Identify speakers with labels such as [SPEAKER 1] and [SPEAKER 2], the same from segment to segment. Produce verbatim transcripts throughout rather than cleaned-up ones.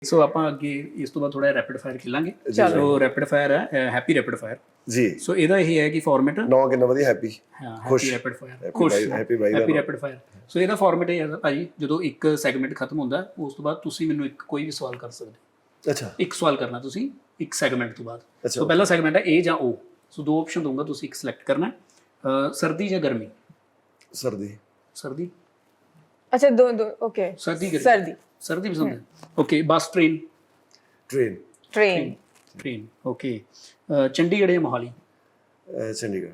[SPEAKER 1] ਸੋ ਆਪਾਂ ਅੱਗੇ ਇਸ ਤੋਂ ਬਾਅਦ ਥੋੜਾ ਰੈਪਿਡ ਫਾਇਰ ਖੇਲਾਂਗੇ। ਸੋ ਰੈਪਿਡ ਫਾਇਰ ਹੈ, ਹੈਪੀ ਰੈਪਿਡ ਫਾਇਰ
[SPEAKER 2] ਜੀ।
[SPEAKER 1] ਸੋ ਇਹਦਾ ਇਹ ਹੈ ਕਿ ਫਾਰਮੈਟ
[SPEAKER 2] ਨੌ ਕਿੰਨਾ ਵਧੀਆ, ਹੈਪੀ
[SPEAKER 1] ਹਾਂ
[SPEAKER 2] ਖੁਸ਼
[SPEAKER 1] ਹੈਪੀ ਰੈਪਿਡ ਫਾਇਰ
[SPEAKER 2] ਖੁਸ਼ ਹੈਪੀ ਬਾਈ ਦਾ
[SPEAKER 1] ਹੈਪੀ ਰੈਪਿਡ ਫਾਇਰ। ਸੋ ਇਹਦਾ ਫਾਰਮੈਟ ਇਹ ਹੈ ਭਾਜੀ, ਜਦੋਂ ਇੱਕ ਸੈਗਮੈਂਟ ਖਤਮ ਹੁੰਦਾ ਉਸ ਤੋਂ ਬਾਅਦ ਤੁਸੀਂ ਮੈਨੂੰ ਇੱਕ ਕੋਈ ਵੀ ਸਵਾਲ ਕਰ ਸਕਦੇ ਹੋ।
[SPEAKER 2] ਅੱਛਾ,
[SPEAKER 1] ਇੱਕ ਸਵਾਲ ਕਰਨਾ ਤੁਸੀਂ ਇੱਕ ਸੈਗਮੈਂਟ ਤੋਂ ਬਾਅਦ।
[SPEAKER 2] ਅੱਛਾ,
[SPEAKER 1] ਸੋ ਪਹਿਲਾ ਸੈਗਮੈਂਟ ਹੈ ਏ ਜਾਂ ਓ। ਸੋ ਦੋ ਆਪਸ਼ਨ ਦਊਂਗਾ, ਤੁਸੀਂ ਇੱਕ ਸਿਲੈਕਟ ਕਰਨਾ ਹੈ। ਸਰਦੀ ਜਾਂ ਗਰਮੀ?
[SPEAKER 2] ਸਰਦੀ।
[SPEAKER 1] ਸਰਦੀ।
[SPEAKER 3] अच्छा दो दो ओके
[SPEAKER 1] सर्दी गर्मी?
[SPEAKER 3] सर्दी
[SPEAKER 1] सर्दी पसंद है। Okay bus train?
[SPEAKER 2] Train.
[SPEAKER 3] Train
[SPEAKER 1] train okay. Chandigarh या मोहाली?
[SPEAKER 2] चंडीगढ़।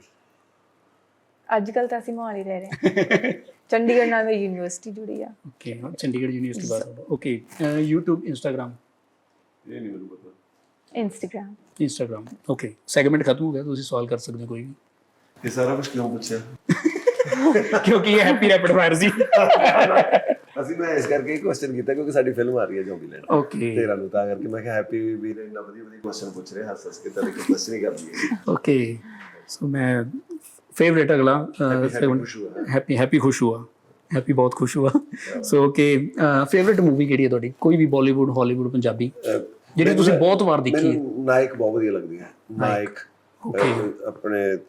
[SPEAKER 3] आजकल तो ਅਸੀਂ ਮੋਹਾਲੀ ਰਹਿ ਰਹੇ ਹਾਂ। ਚੰਡੀਗੜ੍ਹ ਨਾਲ ਮੇਰੀ ਯੂਨੀਵਰਸਿਟੀ ਜੁੜੀ ਆ।
[SPEAKER 1] ओके चंडीगढ़ यूनिवर्सिटी बात। Okay YouTube Instagram?
[SPEAKER 2] ਇਹ ਨਹੀਂ ਮੈਨੂੰ ਪਤਾ।
[SPEAKER 3] Instagram
[SPEAKER 1] Instagram okay. सैगमेंट खत्म हो गया, ਤੁਸੀਂ ਸਵਾਲ ਕਰ ਸਕਦੇ ਹੋ ਕੋਈ ਵੀ।
[SPEAKER 2] ਇਹ ਸਾਰਾ ਕੁਝ ਕਿਉਂ ਪੁੱਛਿਆ?
[SPEAKER 1] ਕਿਉਂਕਿ ਇਹ ਹੈਪੀ ਰੈਪਿਡ ਫਾਇਰ ਸੀ।
[SPEAKER 2] ਅਸੀਂ ਮੈਂ ਇਸ ਕਰਕੇ ਇਹ ਕੁਐਸਚਨ ਕੀਤਾ ਕਿਉਂਕਿ ਸਾਡੀ ਫਿਲਮ ਆ ਰਹੀ ਹੈ ਜ਼ੋਂਬੀਲੈਂਡ
[SPEAKER 1] ਓਕੇ
[SPEAKER 2] ਤੇਰਾ ਨੂੰ, ਤਾਂ ਕਰਕੇ ਮੈਂ ਕਿਹਾ ਹੈਪੀ ਵੀ ਨੇ ਇੰਨਾ ਵਧੀਆ ਵਧੀਆ ਕੁਐਸਚਨ ਪੁੱਛ ਰਹੇ, ਹੱਸ ਹੱਸ ਕੇ ਤਾਂ ਇੱਕ ਕੁਐਸਚਨ ਹੀ ਕਰ ਲਈਏ।
[SPEAKER 1] ओके सो मैं फेवरेट अगला हैप्पी हैप्पी खुश हुआ हैप्पी बहुत खुश हुआ। सो ओके फेवरेट मूवी ਕਿਹੜੀ ਹੈ ਤੁਹਾਡੀ? ਕੋਈ ਵੀ ਬਾਲੀਵੁੱਡ, ਹਾਲੀਵੁੱਡ, ਪੰਜਾਬੀ ਜਿਹੜੀ ਤੁਸੀਂ ਬਹੁਤ ਵਾਰ ਦੇਖੀ ਹੈ?
[SPEAKER 2] ਮੈਨੂੰ ਨਾਇਕ ਬਹੁਤ ਵਧੀਆ ਲੱਗਦੀ ਹੈ। ਨਾਇਕ ਆਪਣੇ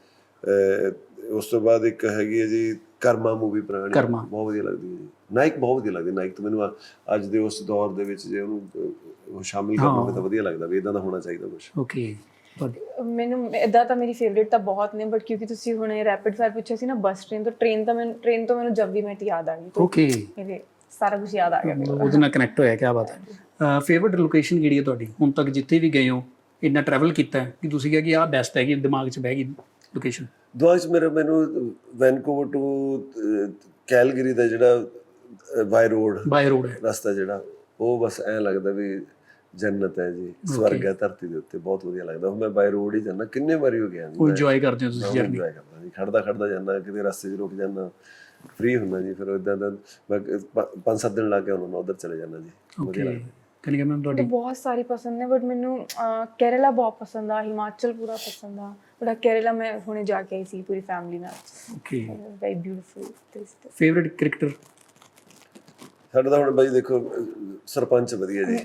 [SPEAKER 2] ਉਸ ਤੋਂ ਬਾਅਦ ਇੱਕ ਹੈਗੀ ਹੈ ਜੀ ਕਰਮਾ ਮੂਵੀ, ਪੁਰਾਣੀ, ਬਹੁਤ ਵਧੀਆ ਲੱਗਦੀ ਹੈ ਜੀ। ਨਾਇਕ ਬਹੁਤ ਵਧੀਆ ਲੱਗਦੀ। ਨਾਇਕ ਤਾਂ ਮੈਨੂੰ ਅੱਜ ਦੇ ਉਸ ਦੌਰ ਦੇ ਵਿੱਚ ਜੇ ਉਹਨੂੰ ਸ਼ਾਮਿਲ ਕਰਨਾ ਤਾਂ ਵਧੀਆ ਲੱਗਦਾ ਵੀ ਇਦਾਂ ਦਾ ਹੋਣਾ ਚਾਹੀਦਾ ਕੁਛ।
[SPEAKER 1] ਓਕੇ
[SPEAKER 3] ਮੈਨੂੰ ਇਦਾਂ ਤਾਂ ਮੇਰੀ ਫੇਵਰੇਟ ਤਾਂ ਬਹੁਤ ਨੇ, ਬਟ ਕਿਉਂਕਿ ਤੁਸੀਂ ਹੁਣੇ ਰੈਪਿਡ ਫਾਇਰ ਪੁੱਛਿਆ ਸੀ ਨਾ, ਬੱਸ ਟ੍ਰੇਨ ਤੋਂ ਟ੍ਰੇਨ ਤਾਂ ਮੈਨੂੰ ਟ੍ਰੇਨ ਤੋਂ ਮੈਨੂੰ ਜਬ ਵੀ ਮੈਟ ਯਾਦ ਆ ਗਈ।
[SPEAKER 1] ਓਕੇ
[SPEAKER 3] ਮੇਰੇ ਸਾਰਾ ਕੁਝ ਯਾਦ ਆ ਗਿਆ ਮੈਨੂੰ,
[SPEAKER 1] ਉਹਦੇ ਨਾਲ ਕਨੈਕਟ ਹੋਇਆ। ਕੀ ਬਾਤ ਹੈ। ਫੇਵਰਟ ਲੋਕੇਸ਼ਨ ਕਿਹੜੀ ਹੈ ਤੁਹਾਡੀ ਹੁਣ ਤੱਕ ਜਿੱਥੇ ਵੀ ਗਏ ਹੋ, ਇੰਨਾ ਟਰੈਵਲ ਕੀਤਾ ਹੈ ਕਿ ਤੁਸੀਂ ਕਿਹਾ ਕਿ ਆਹ ਬੈਸਟ ਹੈਗੀ, ਦਿਮਾਗ 'ਚ ਬਹਿ ਗਈ ਲੋਕੇਸ਼ਨ?
[SPEAKER 2] ਦੁਆਸ ਮੇਰਾ ਮੈਨੂੰ ਵੈਨਕੂਵਰ ਟੂ ਕੈਲਗਰੀ ਦਾ ਜਿਹੜਾ ਬਾਈ ਰੋਡ
[SPEAKER 1] ਬਾਈ ਰੋਡ ਹੈ
[SPEAKER 2] ਰਸਤਾ ਜਿਹੜਾ, ਉਹ ਬਸ ਐਂ ਲੱਗਦਾ ਵੀ ਜੰਨਤ ਹੈ ਜੀ, ਸਵਰਗ ਹੈ ਧਰਤੀ ਦੇ ਉੱਤੇ। ਬਹੁਤ ਵਧੀਆ ਲੱਗਦਾ। ਮੈਂ ਬਾਈ ਰੋਡ ਹੀ ਜਾਂਦਾ, ਕਿੰਨੇ ਵਾਰੀ ਹੋ ਗਿਆ ਜੀ।
[SPEAKER 1] ਇੰਜੋਏ ਕਰਦੇ ਹੋ ਤੁਸੀਂ ਜਰਨੀ?
[SPEAKER 2] ਇੰਜੋਏ ਕਰਦਾ ਜੀ, ਖੜਦਾ ਖੜਦਾ ਜਾਂਦਾ, ਕਿਤੇ ਰਸਤੇ 'ਚ ਰੁਕ ਜਾਂਦਾ, ਫ੍ਰੀ ਹੁੰਦਾ ਜੀ। ਫਿਰ ਇੱਦਾਂ ਦਾ ਮੈਂ ਪੰਜ ਸੱਤ ਦਿਨ ਲਾ ਕੇ ਉਹਨਾਂ ਨੂੰ ਉੱਧਰ ਚਲੇ ਜਾਂਦਾ ਜੀ। ਵਧੀਆ ਲੱਗਦਾ।
[SPEAKER 1] ਕਨਿਕਾ ਮੈਮ ਤੁਹਾਡੀ?
[SPEAKER 3] ਬਹੁਤ ਸਾਰੀ ਪਸੰਦ ਨੇ, ਬਟ ਮੈਨੂੰ ਕੇਰਲਾ ਬਹੁਤ ਪਸੰਦ ਆ, ਹਿਮਾਚਲ ਪੂਰਾ ਪਸੰਦ ਆ, ਬਟ ਕੇਰਲਾ ਮੈਂ ਹੁਣੇ ਜਾ ਕੇ ਆਈ ਸੀ ਪੂਰੀ ਫੈਮਿਲੀ ਨਾਲ।
[SPEAKER 1] Okay
[SPEAKER 3] very beautiful.
[SPEAKER 1] Favourite cricketer?
[SPEAKER 2] ਸਾਡਾ ਤਾਂ ਹੁਣ ਬਾਈ ਦੇਖੋ ਸਰਪੰਚ ਵਧੀਆ ਜੀ।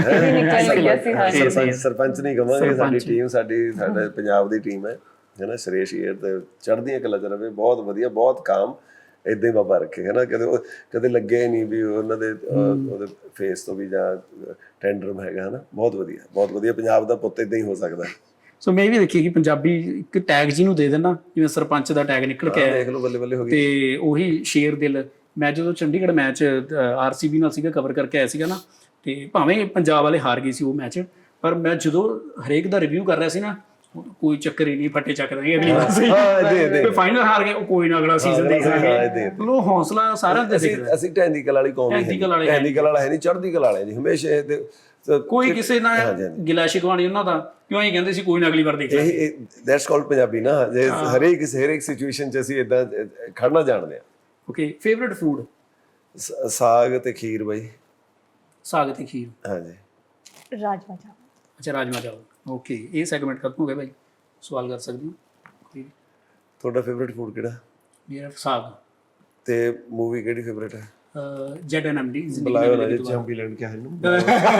[SPEAKER 2] ਸਰਪੰਚ ਸਰਪੰਚ ਨਹੀਂ ਕਵਾਂਗੇ, ਸਾਡੀ ਟੀਮ ਸਾਡੀ ਸਾਡੇ ਪੰਜਾਬ ਦੀ ਟੀਮ ਹੈ ਹੈ ਨਾ। ਸੁਰੇਸ਼ ਏਅਰ ਤੇ ਚੜ੍ਹਦੀਆਂ ਕਲਾ 'ਚ ਰਵੇ, ਬਹੁਤ ਵਧੀਆ, ਬਹੁਤ ਕਾਮ, ਏਦਾਂ ਹੀ ਬਾਬਾ ਰੱਖੇ ਹੈ ਨਾ। ਕਦੇ ਕਦੇ ਲੱਗੇ ਨਹੀਂ ਵੀ ਉਹਨਾਂ ਦੇ ਉਹਦੇ ਫੇਸ ਤੋਂ ਵੀ ਜਾਂ ਟੈਂਡਰਮ ਹੈਗਾ ਹੈ ਨਾ। ਬਹੁਤ ਵਧੀਆ, ਬਹੁਤ ਵਧੀਆ। ਪੰਜਾਬ ਦਾ ਪੁੱਤ ਏਦਾਂ ਹੀ ਹੋ ਸਕਦਾ।
[SPEAKER 1] ਸੋ ਮੈਂ ਇਹ ਵੀ ਦੇਖੀ ਕਿ ਪੰਜਾਬੀ ਇੱਕ ਟੈਗ ਜਿਹਨੂੰ ਦੇ ਦੇਣਾ, ਜਿਵੇਂ ਸਰਪੰਚ ਦਾ ਟੈਗ ਨਿਕਲ ਕੇ ਆਇਆ,
[SPEAKER 2] ਦੇਖ ਲਓ, ਬੱਲੇ ਬੱਲੇ ਹੋ ਗਈ।
[SPEAKER 1] ਤੇ ਉਹੀ ਸ਼ੇਰ ਦਿਲ। ਮੈਂ ਜਦੋਂ ਚੰਡੀਗੜ੍ਹ ਮੈਚ ਆਰਸੀਬੀ ਨਾਲ ਸੀਗਾ, ਕਵਰ ਕਰਕੇ ਆਇਆ ਸੀਗਾ ਨਾ, ਤੇ ਭਾਵੇਂ ਪੰਜਾਬ ਵਾਲੇ ਹਾਰ ਗਏ ਸੀ ਉਹ ਮੈਚ, ਪਰ ਮੈਂ ਜਦੋਂ ਹਰੇਕ ਦਾ ਰਿਵਿਊ ਕਰ ਰਿਹਾ ਸੀ ਨਾ, ਕੋਈ ਚੱਕਰ ਹੀ ਨਹੀਂ, ਫੱਟੇ ਚੱਕਦੇ ਅਗਲੀ ਵਾਰ ਸੀ ਫਾਈਨਲ ਹਾਰ ਗਏ, ਉਹ ਕੋਈ ਨਾ ਅਗਲਾ ਸੀਜ਼ਨ ਦੇਖ ਲਾਂਗੇ। ਉਹ ਹੌਸਲਾ ਸਾਰਿਆਂ ਦੇ ਦੇਖਦਾ।
[SPEAKER 2] ਅਸੀਂ ਢੈਂਦੀ ਕਲ ਵਾਲੀ ਕੌਮ, ਢੈਂਦੀ ਕਲ ਵਾਲਾ ਹੈ ਨਹੀਂ, ਚੜ੍ਹਦੀ ਕਲ ਵਾਲੇ ਜੀ ਹਮੇਸ਼ਾ।
[SPEAKER 1] ਕੋਈ ਕਿਸੇ ਨਾਲ ਗਿਲਾ ਸ਼ਿਕਵਾ ਨਹੀਂ ਉਹਨਾਂ ਦਾ, ਕਿਉਂ ਹੀ ਕਹਿੰਦੇ ਸੀ ਕੋਈ ਨਾ ਅਗਲੀ ਵਾਰ ਦੇਖ ਲਾਂਗੇ।
[SPEAKER 2] ਦੈਟਸ ਕਾਲਡ ਪੰਜਾਬੀ ਨਾ। ਜੇ ਹਰੇਕ ਹਰੇਕ ਸਿਚੁਏਸ਼ਨ 'ਚ ਅਸੀਂ ਏਦਾਂ ਖੜਨਾ ਜਾਣਦੇ ਹਾਂ।
[SPEAKER 1] Okay favourite food?
[SPEAKER 2] ਸਾਗ ਤੇ ਖੀਰ ਬਾਈ।
[SPEAKER 1] ਸਾਗ ਤੇ ਖੀਰ,
[SPEAKER 2] ਹਾਂਜੀ।
[SPEAKER 3] ਰਾਜਮਾ ਚਾਵਲ।
[SPEAKER 1] ਅੱਛਾ ਰਾਜਮਾ ਚਾਵਲ। ਓਕੇ ਇਹ ਸੈਗਮੈਂਟ ਖਤਮ ਹੋ ਗਿਆ ਭਾਈ, ਸਵਾਲ ਕਰ ਸਕਦੇ ਹੋ।
[SPEAKER 2] ਤੁਹਾਡਾ ਫੇਵਰਿਟ ਫੂਡ ਕਿਹੜਾ?
[SPEAKER 1] ਮੇਰਾ ਸਾਗ।
[SPEAKER 2] ਤੇ ਮੂਵੀ ਕਿਹੜੀ ਫੇਵਰਿਟ ਹੈ?
[SPEAKER 1] Z N M D.
[SPEAKER 2] ਬੁਲਾਇਓ ਨਾ ਜੀ, ਜ਼ੋਂਬੀਲੈਂਡ ਕਿਆ ਹੈ ਨਾ।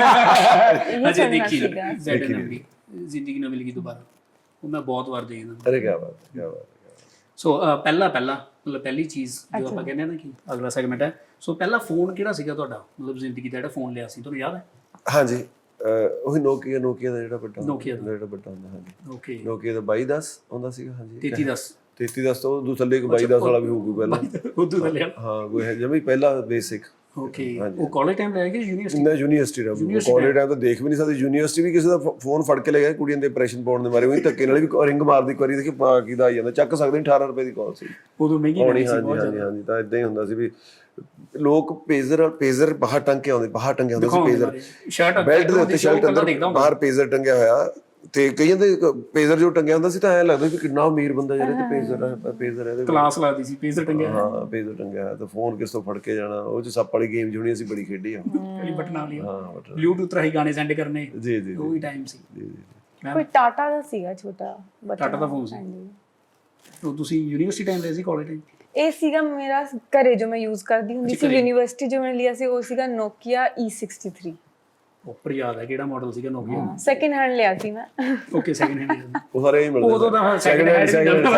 [SPEAKER 1] ਅਜੇ ਦੇਖੀ ਜ਼ੈਡ ਐਨ ਐਮ ਡੀ, ਜ਼ਿੰਦਗੀ ਨਾ ਮਿਲੇਗੀ ਦੁਬਾਰਾ, ਉਹ ਮੈਂ ਬਹੁਤ ਵਾਰ ਦੇਖਦਾ।
[SPEAKER 2] ਅਰੇ ਕਿਆ ਬਾਤ, ਕਿਆ ਬਾਤ।
[SPEAKER 1] ਸੋ ਪਹਿਲਾ ਪਹਿਲਾ ਮਤਲਬ ਪਹਿਲੀ ਚੀਜ਼ ਜੋ ਆਪਾਂ ਕਹਿੰਦੇ ਨਾ ਕਿ ਅਗਲਾ ਸੈਗਮੈਂਟ ਹੈ, ਸੋ ਪਹਿਲਾ ਫੋਨ ਕਿਹੜਾ ਸੀਗਾ ਤੁਹਾਡਾ, ਮਤਲਬ ਜ਼ਿੰਦਗੀ ਦਾ ਜਿਹੜਾ ਫੋਨ ਲਿਆ ਸੀ, ਤੁਹਾਨੂੰ ਯਾਦ ਹੈ?
[SPEAKER 2] ਹਾਂਜੀ ਉਹੀ ਨੋਕੀਆ, ਨੋਕੀਆ ਦਾ ਜਿਹੜਾ ਵੱਡਾ
[SPEAKER 1] ਨੋਕੀਆ ਦਾ
[SPEAKER 2] ਜਿਹੜਾ ਵੱਡਾ ਹੁੰਦਾ। ਹਾਂਜੀ
[SPEAKER 1] ਓਕੇ
[SPEAKER 2] ਨੋਕੀਆ ਦਾ ਬਾਈ ਦਸ ਹੁੰਦਾ ਸੀਗਾ। ਹਾਂਜੀ
[SPEAKER 1] ਤੇਤੀ ਦਸ
[SPEAKER 2] ਤੇਤੀ ਦਸ ਤੋਂ ਉਦੋਂ ਥੱਲੇ ਇੱਕ ਬਾਈ ਦਸ ਵਾਲਾ ਵੀ ਹੋਊਗਾ ਪਹਿਲਾਂ,
[SPEAKER 1] ਉਦੋਂ ਥੱਲੇ।
[SPEAKER 2] ਹਾਂ ਕੋਈ ਹੈ ਜਿਵੇਂ ਪਹਿਲਾ ਬੇਸਿਕ।
[SPEAKER 1] ਓਕੇ ਉਹ ਕਾਲਜ ਟਾਈਮ ਲੈ ਗਏ ਯੂਨੀਵਰਸਿਟੀ?
[SPEAKER 2] ਮੈਂ ਯੂਨੀਵਰਸਿਟੀ ਦਾ ਕਾਲਜ ਟਾਈਮ ਤਾਂ ਦੇਖ ਵੀ ਨਹੀਂ ਸਕਦੇ। ਯੂਨੀਵਰਸਿਟੀ ਵੀ ਕਿਸੇ ਦਾ ਫੋਨ ਫੜ ਕੇ ਲੈ ਗਿਆ, ਕੁੜੀਆਂ ਦੇ ਇੰਪ੍ਰੈਸ਼ਨ ਪਾਉਣ ਦੇ ਮਾਰੇ ਉਹੀ ਧੱਕੇ ਨਾਲ ਵੀ ਰਿੰਗ ਮਾਰਦੀ, ਇੱਕ ਵਾਰੀ ਦੇਖੀ ਪਾ ਕਿਦਾ ਆ ਜਾਂਦਾ, ਚੱਕ ਸਕਦੇ ਅਠਾਰਾਂ ਰੁਪਏ ਦੀ ਕਾਲ ਸੀ
[SPEAKER 1] ਉਦੋਂ ਮਹਿੰਗੀ ਹੋਣੀ ਸੀ।
[SPEAKER 2] ਹਾਂਜੀ ਹਾਂਜੀ ਹਾਂਜੀ। ਤਾਂ ਇਦਾਂ ਹੀ ਹੁੰਦਾ ਸੀ ਵੀ ਲੋਕ ਪੇਜ਼ਰ ਪੇਜ਼ਰ ਬਾਹਰ ਟੰਗ ਕੇ ਆਉਂਦੇ, ਬਾਹਰ ਟੰਗਿਆ ਹੁੰਦਾ ਸੀ ਪੇਜ਼ਰ,
[SPEAKER 1] ਸ਼ਰਟ
[SPEAKER 2] ਬੈਲਟ ਦੇ ਉੱਤੇ ਸ਼ਰਟ ਅੰਦਰ ਬਾਹਰ ਪੇਜ਼ਰ ਟੰਗਿਆ ਹੋਇਆ, ਤੇ ਕਈਆਂ ਦੇ ਪੇਜ਼ਰ ਜੋ ਟੰਗਿਆ ਹੁੰਦਾ ਸੀ ਤਾਂ ਐਂ ਲੱਗਦਾ ਵੀ ਕਿੰਨਾ ਅਮੀਰ ਬੰਦਾ ਜਿਹੜੇ ਤੇ ਪੇਜ਼ਰ ਹੈ, ਪੇਜ਼ਰ ਇਹਦੇ
[SPEAKER 1] ਕਲਾਸ ਲੱਗਦੀ ਸੀ ਪੇਜ਼ਰ ਟੰਗਿਆ।
[SPEAKER 2] ਹਾਂ ਪੇਜ਼ਰ ਟੰਗਿਆ ਹੋਇਆ, ਤਾਂ ਫੋਨ ਕਿਸ ਤੋਂ ਫੜ ਕੇ ਜਾਣਾ। ਉਹ 'ਚ ਸੱਪ ਵਾਲੀ ਗੇਮ ਜਿਹੜੀ ਅਸੀਂ ਬੜੀ ਖੇਡੀ ਆ,
[SPEAKER 1] ਜਿਹੜੀ ਬਟਨਾਂ ਵਾਲੀ।
[SPEAKER 2] ਹਾਂ
[SPEAKER 1] ਬਲੂਟੂਥ ਰਾਹੀਂ ਗਾਣੇ ਸੈਂਡ ਕਰਨੇ।
[SPEAKER 2] ਜੀ ਜੀ
[SPEAKER 1] ਉਹ ਵੀ ਟਾਈਮ ਸੀ।
[SPEAKER 3] ਕੋਈ ਟਾਟਾ ਦਾ ਸੀਗਾ ਛੋਟਾ,
[SPEAKER 1] ਟਾਟਾ ਦਾ ਫੋਨ ਸੀ। ਉਹ ਤੁਸੀਂ ਯੂਨੀਵਰਸਿਟੀ ਟਾਈਮ ਲਿਆ ਸੀ, ਕਾਲਜ ਟਾਈਮ?
[SPEAKER 3] ਇਹ ਸੀਗਾ ਮੇਰਾ ਘਰੇ ਜੋ ਮੈਂ ਯੂਜ਼ ਕਰਦੀ ਹੁੰਦੀ ਸੀ। ਯੂਨੀਵਰਸਿਟੀ ਜੋ ਮੈਂ ਲਿਆ ਸੀ ਉਹ ਸੀਗਾ Nokia E sixty three.
[SPEAKER 1] Proper ਯਾਦ ਹੈ ਕਿਹੜਾ ਮਾਡਲ ਸੀਗਾ ਨੋਕੀਆ।
[SPEAKER 3] ਸੈਕਿੰਡ ਹੈਂਡ ਲਿਆ ਸੀ ਮੈਂ।
[SPEAKER 1] Okay second hand.
[SPEAKER 2] ਉਹ ਸਾਰੇ ਹੀ ਮਿਲਦੇ
[SPEAKER 1] ਉਦੋਂ ਤਾਂ ਸੈਕਿੰਡ ਹੈਂਡ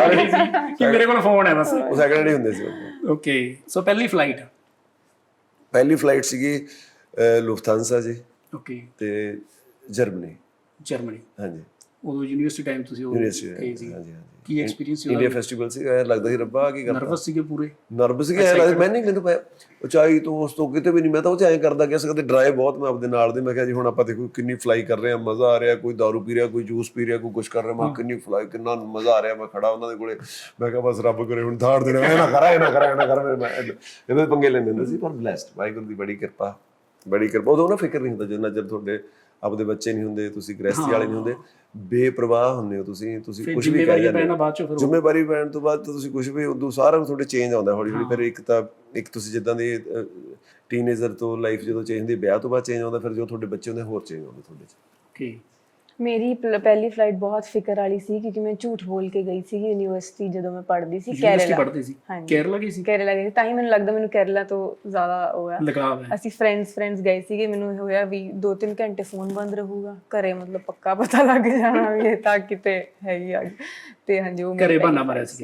[SPEAKER 1] ਸੀ ਕਿ ਮੇਰੇ ਕੋਲ ਫੋਨ ਹੈ ਬਸ।
[SPEAKER 2] ਉਹ ਸੈਕਿੰਡ ਹੈਂਡ ਹੀ ਹੁੰਦੇ ਸੀ।
[SPEAKER 1] ਓਕੇ ਸੋ ਪਹਿਲੀ ਫਲਾਈਟ
[SPEAKER 2] ਪਹਿਲੀ ਫਲਾਈਟ ਸੀਗੀ ਲੁਫਥਾਂਸਾ ਜੀ
[SPEAKER 1] ਓਕੇ
[SPEAKER 2] ਤੇ ਜਰਮਨੀ
[SPEAKER 1] ਜਰਮਨੀ।
[SPEAKER 2] ਹਾਂਜੀ
[SPEAKER 1] ਉਦੋਂ ਯੂਨੀਵਰਸਿਟੀ ਟਾਈਮ ਤੁਸੀਂ ਉਹ
[SPEAKER 2] ਯੂਨੀਵਰਸਿਟੀ
[SPEAKER 1] ਗਏ ਸੀ।
[SPEAKER 2] ਹਾਂਜੀ ਹਾਂਜੀ
[SPEAKER 1] ਕੀ ਐਕਸਪੀਰੀਅੰਸ ਸੀ?
[SPEAKER 2] ਇੰਡੀਆ ਫੈਸਟੀਵਲ ਸੀ, ਐਂ ਲੱਗਦਾ ਸੀ ਰੱਬਾ ਕੀ ਕਰਦਾ।
[SPEAKER 1] ਨਰਵਸ ਸੀਗੇ ਪੂਰੇ?
[SPEAKER 2] ਨਰਵਸ ਸੀ, ਐਂ ਲੱਗਦਾ ਮੈਂ ਨਹੀਂ ਮੈਨੂੰ ਪਿਆ ਉਚਾਈ ਤੋਂ ਉਸ ਤੋਂ ਕਿਤੇ ਵੀ ਨਹੀਂ, ਮੈਂ ਤਾਂ ਉਹ ਚ ਐਂ ਕਰਦਾ ਗਿਆ ਸੀ ਕਦੇ ਡਰਾਈਵ ਬਹੁਤ ਮੈਂ ਆਪਦੇ ਨਾਲ ਦੇ, ਮੈਂ ਕਿਹਾ ਜੀ ਹੁਣ ਆਪਾਂ ਦੇਖੋ ਕਿੰਨੀ ਫਲਾਈ ਕਰ ਰਹੇ ਹਾਂ, ਮਜ਼ਾ ਆ ਰਿਹਾ, ਕੋਈ ਦਾਰੂ ਪੀ ਰਿਹਾ, ਕੋਈ ਜੂਸ ਪੀ ਰਿਹਾ, ਕੋਈ ਕੁਛ ਕਰ ਰਿਹਾ, ਮੈਂ ਕਿੰਨੀ ਫਲਾਈ ਕਿੰਨਾ ਮਜ਼ਾ ਆ ਰਿਹਾ, ਮੈਂ ਖੜਾ ਉਹਨਾਂ ਦੇ ਕੋਲੇ, ਮੈਂ ਕਿਹਾ ਬਸ ਰੱਬ ਕਰੇ ਹੁਣ ਧਾੜ ਦੇਣਾ, ਇਹ ਨਾ ਕਰਾ ਇਹ ਨਾ ਕਰਾ ਇਹ ਨਾ ਕਰ, ਮੈਂ ਇਹਦੇ ਪੰਗੇ ਲੈਂਦੇ ਹੁੰਦੇ ਸੀ। ਪਰ ਬਲੈਸਡ, ਵਾਹਿਗੁਰੂ ਦੀ ਬੜੀ ਕਿਰਪਾ, ਬੜੀ ਕਿਰਪਾ। ਉਦੋਂ ਨਾ ਫਿਕਰ ਨਹੀਂ ਹੁੰਦਾ ਜਿੰਨਾ ਚਿਰ ਤੁਹਾਡੇ ਆਪਦੇ ਬੱਚੇ ਨਹੀਂ ਹੁੰਦੇ, ਤੁਸੀਂ ਗ੍ਰਹਿਸਤੀ ਵਾਲੇ ਨਹੀਂ ਹੁੰਦੇ, ਬੇਪਰਵਾਹ ਹੁੰਦੇ ਹੋ ਤੁਸੀਂ, ਤੁਸੀਂ ਕੁਝ ਵੀ ਕਹਿ ਜਾਂਦੇ ਹੋ।
[SPEAKER 1] ਬਾਅਦ ਚੋਂ ਫਿਰ
[SPEAKER 2] ਜ਼ਿੰਮੇਵਾਰੀ ਪੈਣ ਤੋਂ ਬਾਅਦ ਤਾਂ ਤੁਸੀਂ ਕੁਝ ਵੀ ਉਦੋਂ ਸਾਰਾ ਤੁਹਾਡੇ ਚੇਂਜ ਆਉਂਦਾ ਹੌਲੀ ਹੌਲੀ। ਫਿਰ ਇੱਕ ਤਾਂ ਇੱਕ ਤੁਸੀਂ ਜਿੱਦਾਂ ਦੀ ਟੀਨੇਜਰ ਤੋਂ ਲਾਈਫ ਜਦੋਂ ਚੇਂਜ ਹੁੰਦੀ, ਵਿਆਹ ਤੋਂ ਬਾਅਦ ਚੇਂਜ ਆਉਂਦਾ, ਫਿਰ ਜੋ ਤੁਹਾਡੇ ਬੱਚੇ ਹੁੰਦੇ ਹੋਰ ਚੇਂਜ ਆਉਂਦੇ ਤੁਹਾਡੇ 'ਚ।
[SPEAKER 1] ਓਕੇ
[SPEAKER 3] ਮੇਰੀ ਪਹਿਲੀ ਫਲਾਈਟ ਬਹੁਤ ਫਿਕਰ ਵਾਲੀ ਸੀ ਕਿਉਂਕਿ ਮੈਂ ਝੂਠ ਬੋਲ ਕੇ ਗਈ ਸੀ ਯੂਨੀਵਰਸਿਟੀ ਜਦੋਂ ਮੈਂ ਪੜ੍ਹਦੀ ਸੀ ਕੇਰਲਾ
[SPEAKER 1] ਪੜ੍ਹਦੀ ਸੀ। ਕੇਰਲਾ ਗਈ ਸੀ?
[SPEAKER 3] ਕੇਰਲਾ ਗਈ ਤਾਂ ਹੀ ਮੈਨੂੰ ਲੱਗਦਾ ਮੈਨੂੰ ਕੇਰਲਾ ਤੋਂ ਜ਼ਿਆਦਾ ਹੋਇਆ
[SPEAKER 1] ਲਗਾਵ ਹੈ।
[SPEAKER 3] ਅਸੀਂ ਫਰੈਂਡਸ ਫਰੈਂਡਸ ਗਏ ਸੀਗੇ, ਮੈਨੂੰ ਹੋਇਆ ਵੀ ਦੋ ਤਿੰਨ ਘੰਟੇ ਫੋਨ ਬੰਦ ਰਹੂਗਾ ਘਰੇ, ਮਤਲਬ ਪੱਕਾ ਪਤਾ ਲੱਗ ਜਾਣਾ ਵੀ ਇਹ ਤਾਂ ਕਿਤੇ ਹੈਗੀ ਆ। ਤੇ ਹਾਂਜੀ ਉਹ
[SPEAKER 1] ਘਰੇ ਬਹਾਨਾ ਮਾਰਿਆ ਸੀ।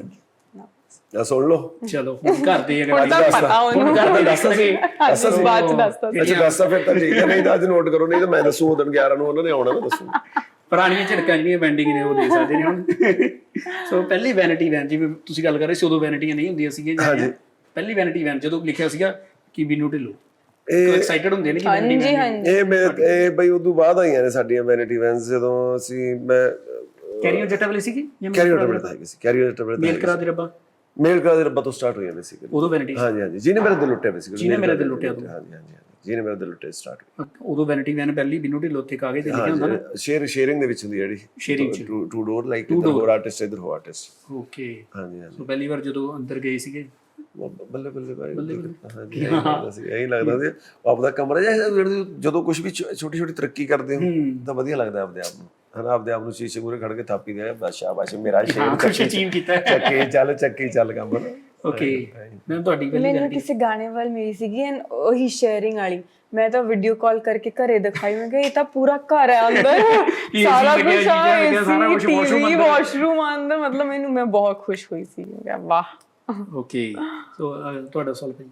[SPEAKER 2] ਆ ਸੁਣ ਲਓ,
[SPEAKER 1] ਚਲੋ ਹੁਣ ਘਰ ਦੇ ਅਗਰ
[SPEAKER 3] ਹੁਣ ਤਾਂ ਪਤਾ ਉਹਨੂੰ
[SPEAKER 1] ਘਰ ਦੇ ਦੱਸਦਾ ਸੀ
[SPEAKER 3] ਬਾਅਦ ਚ ਦੱਸਦਾ ਸੀ।
[SPEAKER 2] ਅੱਛਾ ਦੱਸਦਾ ਫਿਰ ਤਾਂ ਠੀਕ ਹੈ, ਨਹੀਂ ਤਾਂ ਅੱਜ ਨੋਟ ਕਰੋ, ਨਹੀਂ ਤਾਂ ਮੈਂ ਦੱਸੂ ਉਦੋਂ ਗਿਆਰਾਂ ਨੂੰ ਉਹਨਾਂ ਨੇ ਆਉਣਾ, ਮੈਂ ਦੱਸੂ।
[SPEAKER 1] ਪੁਰਾਣੀਆਂ ਝਟਕਾਂ ਜਿਹੜੀਆਂ ਬੈਂਡਿੰਗ ਨੇ ਉਹ ਦੇ ਸਕਦੇ ਨੇ ਹੁਣ। ਸੋ ਪਹਿਲੀ ਵੈਨਿਟੀ ਵੈਨ ਜਿਵੇਂ ਤੁਸੀਂ ਗੱਲ ਕਰ ਰਹੇ ਸੀ, ਉਦੋਂ ਵੈਨਿਟੀਆਂ ਨਹੀਂ ਹੁੰਦੀਆਂ ਸੀਗੀਆਂ। ਪਹਿਲੀ ਵੈਨਿਟੀ ਵੈਨ ਜਦੋਂ ਲਿਖਿਆ ਸੀਗਾ ਕਿ ਬਿਨੂ ਢਿੱਲੋਂ, ਐਕਸਾਈਟਡ ਹੁੰਦੇ ਨੇ ਕਿ ਵੈਨਿਟੀ ਵੈਨ।
[SPEAKER 2] ਇਹ ਮੈਂ ਇਹ ਬਈ ਉਦੋਂ ਬਾਅਦ ਆਈਆਂ ਨੇ ਸਾਡੀਆਂ ਵੈਨਿਟੀ ਵੈਨਸ, ਜਦੋਂ ਅਸੀਂ ਮੈਂ
[SPEAKER 1] ਕੈਰੀਅਰ ਜੱਟਾ ਵਾਲੀ ਸੀਗੀ ਜਾਂ
[SPEAKER 2] ਕੈਰੀਅਰ ਟੇਬਲ ਤਾਂ ਹੈਗੀ ਸੀ, ਕੈਰੀਅਰ ਟੇਬਲ
[SPEAKER 1] ਮੇਲ ਕਰਾ ਦੇ ਰੱਬਾ,
[SPEAKER 2] ਮੇਲ ਕਰਾ ਦੇ ਰੱਬਾ ਤੋਂ ਸਟਾਰਟ ਹੋਈਆਂ ਬੇਸਿਕਲੀ
[SPEAKER 1] ਉਦੋਂ ਵੈਨਿਟੀ।
[SPEAKER 2] ਹਾਂਜੀ ਹਾਂਜੀ, ਜਿਹਨੇ ਮੇਰੇ ਦਿਲ ਲੁੱਟਿਆ ਬੇਸਿਕਲੀ,
[SPEAKER 1] ਜਿਹਨੇ ਮੇਰੇ ਦਿਲ ਲੁੱਟਿਆ।
[SPEAKER 2] ਹਾਂਜੀ ਹਾਂਜੀ, ਜਿਹਨੇ ਮੇਰੇ ਦਿਲ ਲੁੱਟਿਆ ਸਟਾਰਟ ਹੋਈ
[SPEAKER 1] ਉਦੋਂ ਵੈਨਿਟੀ ਵੈਨ ਪਹਿਲੀ ਬਿਨੂ ਢਿੱਲੋਂ ਉੱਤੇ ਕਾਗਜ਼ ਤੇ ਲਿਖਿਆ ਹੁੰਦਾ ਨਾ,
[SPEAKER 2] ਸ਼ੇਅਰ ਸ਼ੇਅਰਿੰਗ ਦੇ ਵਿੱਚ ਹੁੰਦੀ ਜਿਹੜੀ
[SPEAKER 1] ਸ਼ੇਅਰਿੰਗ ਚ
[SPEAKER 2] ਟੂ ਡੋਰ, ਲਾਈਕ ਇਧਰ ਹੋਰ ਆਰਟਿਸਟ ਇਧਰ ਹੋ ਆਰਟਿਸਟ।
[SPEAKER 1] ਓਕੇ
[SPEAKER 2] ਹਾਂਜੀ ਹਾਂਜੀ,
[SPEAKER 1] ਸੋ ਪਹਿਲੀ ਵਾਰ ਜਦੋਂ ਅੰਦਰ ਗਏ ਸੀਗੇ
[SPEAKER 2] ਬੱਲੇ ਬੱਲੇ ਭਾਈ, ਹਾਂਜੀ ਇਹੀ ਲੱਗਦਾ ਸੀ, ਇਹੀ ਲੱਗਦਾ ਸੀ ਆਪਦਾ ਕਮਰਾ ਜਿਹਾ, ਜਦੋਂ ਕੁਝ ਵੀ ਛੋਟੀ ਛੋਟੀ ਤਰੱਕੀ ਕਰਦੇ ਹੋ ਤਾਂ ਵਧੀਆ ਲੱਗਦਾ ਆਪਦੇ ਆਪ ਨੂੰ, ਹਨਾ, ਆਪਦੇ ਆਪ ਨੂੰ ਸ਼ੀਸ਼ੇ ਮੂਹਰੇ ਖੜ ਕੇ ਥਾਪੀ ਦੇ, ਬਸ ਸ਼ਾਬਾਸ਼ ਮੇਰਾ ਸ਼ੇਰ
[SPEAKER 1] ਕੁਝ ਅਚੀਵ ਕੀਤਾ,
[SPEAKER 2] ਚੱਕੀ ਚੱਲ ਚੱਕੀ ਚੱਲ ਕੰਮ।
[SPEAKER 1] ਓਕੇ ਮੈਮ ਤੁਹਾਡੀ ਪਹਿਲੀ
[SPEAKER 3] ਮੈਨੂੰ ਕਿਸੇ ਗਾਣੇ ਵੱਲ ਮਿਲੀ ਸੀਗੀ ਐਂਡ ਉਹੀ ਸ਼ੇਅਰਿੰਗ ਵਾਲੀ, ਮੈਂ ਤਾਂ ਵੀਡੀਓ ਕਾਲ ਕਰਕੇ ਘਰੇ ਦਿਖਾਈ, ਮੈਂ ਕਿਹਾ ਇਹ ਤਾਂ ਪੂਰਾ ਘਰ ਹੈ ਅੰਦਰ, ਸਾਰਾ ਕੁਝ ਆ, ਟੀਵੀ ਵਾਸ਼ਰੂਮ ਅੰਦਰ, ਮਤਲਬ ਮੈਨੂੰ ਮੈਂ ਬਹੁਤ ਖੁਸ਼ ਹੋਈ ਸੀ, ਮੈਂ ਕਿਹਾ ਵਾਹ।
[SPEAKER 1] ਓਕੇ ਸੋ ਤੁਹਾਡਾ ਸਵਾਲ ਭਾਈ?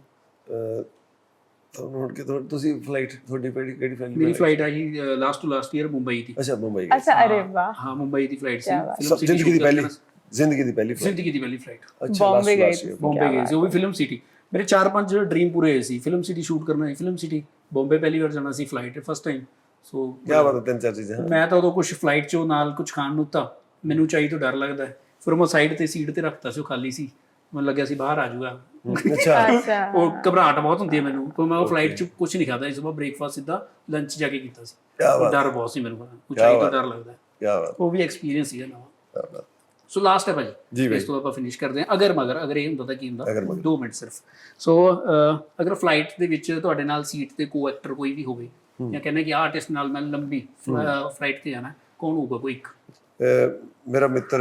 [SPEAKER 2] ਤੁਹਾਨੂੰ ਹੁਣ ਕਿ ਤੁਸੀਂ ਫਲਾਈਟ ਤੁਹਾਡੀ ਪਹਿਲੀ ਕਿਹੜੀ ਫਲਾਈਟ?
[SPEAKER 1] ਮੇਰੀ ਫਲਾਈਟ ਆਈ last to last year Mumbai ਦੀ।
[SPEAKER 2] ਅੱਛਾ ਮੁੰਬਈ।
[SPEAKER 3] ਅੱਛਾ ਅਰੇ ਵਾਹ।
[SPEAKER 1] ਹਾਂ ਮੁੰਬਈ ਦੀ ਫਲਾਈਟ ਸੀ,
[SPEAKER 2] ਜ਼ਿੰਦਗੀ ਦੀ ਪਹਿਲੀ ਜ਼ਿੰਦਗੀ ਦੀ ਪਹਿਲੀ ਫਲਾਈਟ।
[SPEAKER 1] ਜ਼ਿੰਦਗੀ ਦੀ ਪਹਿਲੀ ਫਲਾਈਟ।
[SPEAKER 2] ਅੱਛਾ
[SPEAKER 3] ਬੰਬੇ ਗਏ ਸੀ।
[SPEAKER 1] ਬੰਬੇ ਗਏ ਸੀ, ਉਹ ਵੀ ਫਿਲਮ ਸਿਟੀ। ਮੇਰੇ ਚਾਰ ਪੰਜ ਡ੍ਰੀਮ ਪੂਰੇ ਹੋਏ ਸੀ, ਫਿਲਮ ਸਿਟੀ ਸ਼ੂਟ ਕਰਨਾ ਹੈ, ਫਿਲਮ ਸਿਟੀ ਬੰਬੇ ਪਹਿਲੀ ਵਾਰ ਜਾਣਾ ਸੀ ਫਲਾਈਟ ਫਸਟ ਟਾਈਮ। ਸੋ
[SPEAKER 2] ਕੀ ਬਾਤ ਹੈ, ਤਿੰਨ ਚਾਰ ਚੀਜ਼ਾਂ। ਮੈਂ
[SPEAKER 1] ਤਾਂ ਉਦੋਂ ਕੁਝ ਫਲਾਈਟ 'ਚੋਂ ਨਾਲ ਕੁਝ ਖਾਣ ਨੂੰ ਤਾਂ ਮੈਨੂੰ ਚਾਹੀ ਤੋਂ ਡਰ ਲੱਗਦਾ, ਫਿਰ ਮੈਂ ਸਾਈਡ ਤੇ ਸੀਟ ਤੇ ਰੱਖਤਾ ਸੀ, ਉਹ ਖਾਲੀ ਸੀ, ਮੈਨੂੰ ਲੱਗਿਆ ਸੀ ਬਾਹਰ ਆ ਜਾਊਗਾ।
[SPEAKER 2] ਅੱਛਾ
[SPEAKER 1] ਉਹ ਘਬਰਾਹਟ ਬਹੁਤ ਹੁੰਦੀ ਹੈ ਮੈਨੂੰ, ਕੋਈ ਮੈਂ ਉਹ ਫਲਾਈਟ 'ਚ ਕੁਝ ਨਹੀਂ ਖਾਦਾ, ਇਸ ਵਾਰ ਬ੍ਰੇਕਫਾਸਟ ਸਿੱਧਾ ਲੰਚ ਜਾ ਕੇ ਕੀਤਾ ਸੀ। ਡਰ ਬਹੁਤ ਸੀ ਮੈਨੂੰ, ਉਚਾਈ ਤੋਂ ਡਰ ਲੱਗਦਾ, ਉਹ ਵੀ ਐਕਸਪੀਰੀਅੰਸ ਸੀਗਾ ਨਵਾਂ। ਸੋ ਲਾਸਟ ਹੈ ਭਾਜੀ, ਇਸ ਤੋਂ ਆਪਾਂ ਫਿਨਿਸ਼ ਕਰਦੇ ਹਾਂ। ਅਗਰ ਮਗਰ ਅਗਰ ਇਹ ਹੁੰਦਾ ਤਾਂ ਕੀ ਹੁੰਦਾ, ਦੋ ਮਿੰਟ ਸਿਰਫ। ਸੋ ਅਗਰ ਫਲਾਈਟ ਦੇ ਵਿੱਚ ਤੁਹਾਡੇ ਨਾਲ ਸੀਟ ਤੇ ਕੋ ਐਕਟਰ ਕੋਈ ਵੀ ਹੋਵੇ, ਜਾਂ ਕਹਿੰਦੇ ਕਿ ਆਰਟਿਸਟ ਨਾਲ ਮੈਂ ਲੰਬੀ ਫਲਾਈਟ ਤੇ ਜਾਣਾ, ਕੌਣ ਹੋਊਗਾ ਕੋਈ ਇੱਕ?
[SPEAKER 2] ਮੇਰਾ ਮਿੱਤਰ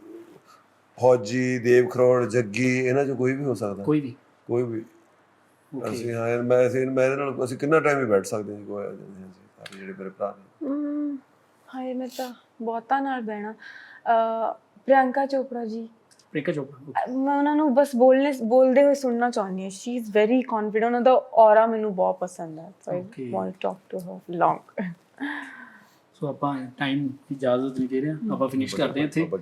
[SPEAKER 2] ਫੌਜੀ, ਦੇਵ ਖਰੋੜ, ਜੱਗੀ, ਇਹਨਾਂ ਚੋਂ ਕੋਈ ਵੀ ਹੋ ਸਕਦਾ।
[SPEAKER 1] ਕੋਈ ਵੀ
[SPEAKER 2] ਕੋਈ ਵੀ ਅਸੀਂ ਹਾਂ ਮੈਂ ਅਸੀਂ ਮੈਂ ਇਹਦੇ ਨਾਲ ਅਸੀਂ ਕਿੰਨਾ ਟਾਈਮ ਹੀ ਬੈਠ ਸਕਦੇ ਹਾਂ, ਕੋਈ ਅਸੀਂ ਜਿਹੜੇ ਮੇਰੇ ਭਰਾ ਨੇ।
[SPEAKER 3] ਹਾਏ ਮੈਂ ਤਾਂ ਬਹੁਤਾਂ ਨਾਲ ਬਹਿਣਾ। ਪ੍ਰਿਯੰਕਾ ਚੋਪੜਾ ਜੀ।
[SPEAKER 1] ਪ੍ਰਿਯੰਕਾ ਚੋਪੜਾ, ਮੈਂ
[SPEAKER 3] ਉਹਨਾਂ ਨੂੰ ਬਸ ਬੋਲਨੇ ਬੋਲਦੇ ਹੋਏ ਸੁਣਨਾ ਚਾਹੁੰਦੀ ਹਾਂ। ਸ਼ੀ ਇਜ਼ ਵੈਰੀ ਕੌਨਫੀਡੈਂਟ, ਉਹਨਾਂ ਦਾ ਔਰਾ ਮੈਨੂੰ ਬਹੁਤ ਪਸੰਦ ਹੈ। So I want to talk to her long.
[SPEAKER 1] So ਆਪਾਂ ਟਾਈਮ ਦੀ ਇਜਾਜ਼ਤ ਨਹੀਂ ਦੇ ਰਹੇ, ਆਪਾਂ ਫਿਨਿਸ਼ ਕਰਦੇ ਹਾਂ ਇੱਥੇ।